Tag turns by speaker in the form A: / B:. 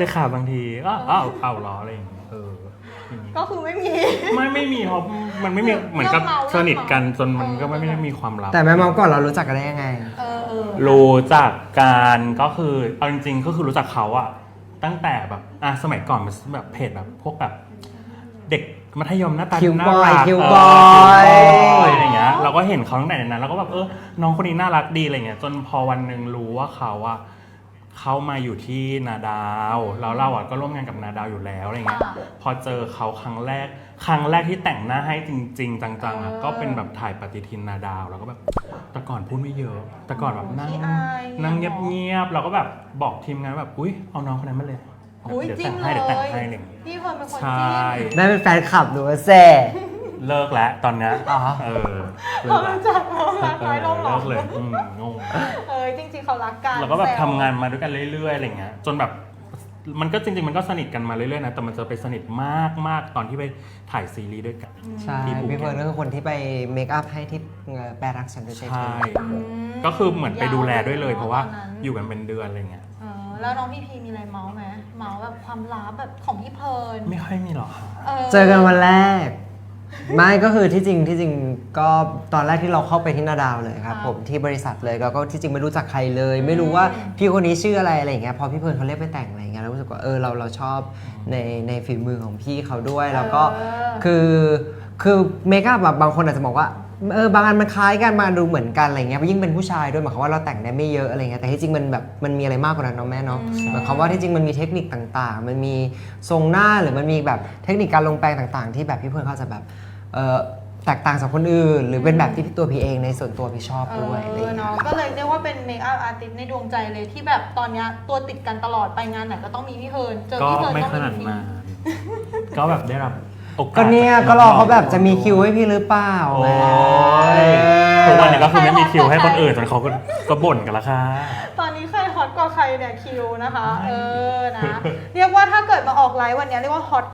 A: เลยค่ะบางทีก็เอาล้ออะไรอย่างเงี้ย
B: ก็คือไม่มี
A: เพราะมันไม่มีเหมือนกับสนิทกันจนมันก็ไม่ได้มีความลับ
C: แต่แม่เมาก่อนเรารู้จักกันได้ยังไง
A: รู้จักกันก็คือเอาจริงๆก็คือรู้จักเขาอะตั้งแต่แบบสมัยก่อนมันแบบเพจแบบพวกแบบเด็กมัธยมหน้าตาน่ารัก
C: คิวบอย
A: อะไรอย่างเงี้ยเราก็เห็นเขาตั้งแต่นั้นแล้วก็แบบน้องคนนี้น่ารักดีอะไรเงี้ยจนพอวันหนึ่งรู้ว่าเขาอะเขามาอยู่ที่นาดาวแล้วเราก็ร่วมงานกับนาดาวอยู่แล้วอะไรเงี้ยพอเจอเขาครั้งแรกที่แต่งหน้าให้จริงๆจังๆก็เป็นแบบถ่ายปฏิทินนาดาวแล้วก็แบบแต่ก่อนพูดไม่เยอะแต่ก่อนแบบนั่งเงียบๆเราก็แบบบอกทีมงานแบบอุ้ยเอาน้องคนนั้นมาเลย
B: เดี๋ยวแต่ง
A: ให้เลย
B: พี่เพิ่นเป็นคน
A: ใช่
C: ได้เป็นแฟนคลับหรือว่าแซ่
A: เลิกแล้วตอนนี้
B: เขารู้จักเขารักน้อยลงหรอ
A: เลิกเลยงง
B: จริงๆเขารักกัน
A: แล้วก็แบบทำงานมาด้วยกันเรื่อยๆอะไรเงี้ยจนแบบมันก็จริงๆมันก็สนิทกันมาเรื่อยๆนะแต่มันจะไปสนิทมากๆตอนที่ไปถ่ายซีรีส์ด้วยกัน
C: ใช่พี่เพิร์นก็คือคนที่ไปเมคอัพให้ที่แปรรักฉันด้วยใช่ไหม
A: ก็คือเหมือนไปดูแลด้วยเลยเพราะว่าอยู่กันเป็นเดือนอะไรเงี้ย
B: แล้วน้องพี่พีมีอะไรเมาส์ไหมเมาส์แบบความลับแบบของพี่เพิร์น
A: ไม่ค่อยมีหรอกค่ะ
C: เจอกันวันแรกไม่ก็คือที่จริงก็ตอนแรกที่เราเข้าไปที่นาดาวเลยครับผมที่บริษัทเลยแล้วก็ที่จริงไม่รู้จักใครเลยไม่รู้ว่าพี่คนนี้ชื่ออะไรอย่างเงี้ยพอพี่เพิร์นเขาเรียกไปแต่งอะไรเงี้ยแล้วรู้สึกว่าเราชอบในฝีมือของพี่เขาด้วยแล้วก็คือเมคอัพแบบบางคนอาจจะบอกว่าบางอันมันคล้ายกันมาดูเหมือนกันอะไรเงี้ยยิ่งเป็นผู้ชายด้วยหมายความว่าเราแต่งได้ไม่เยอะอะไรเงี้ยแต่ที่จริงมันแบบมันมีอะไรมากกว่านั้นเนาะแม่เนาะหมายความว่าที่จริงมันมีเทคนิคต่างๆมันมีทรงหน้าหรือมันมีแบบเทคนิคการลงแปรงต่างๆที่แบบพี่เพิร์นเขาจะแบบแตกต่างจากคนอื่นหรือเป็นแบบที่ตัวพี่เองในส่วนตัวพี่ชอบด้วยอะไรอย่างเงี้ย
B: ก็เลยเรียกว่าเป็นเมคอัพอาร์ติสต์ในดวงใจเลยที่แบบตอนนี้ตัวติดกันตลอดไปงานไหนก็ต้องมีพี่เพิร์นเจอพี่เพิร์น
A: ก็ไม่ขนาดมาก็แบบได้รับโอกาส
C: ก็เนี่ยก็รอเขาแบบจะมีคิวให้พี่หรือเปล่า
A: ทุกวันนี้ก็คือไม่มีคิวให้คนอื่นจนเขาก็บ่นกันละค่ะ
B: ตอนนี้ใครฮอตกว่าใครเนี่ยคิวนะคะนะเรียกว่าถ้าเกิดมาออกไลฟ์วันนี้เรียกว่าฮอต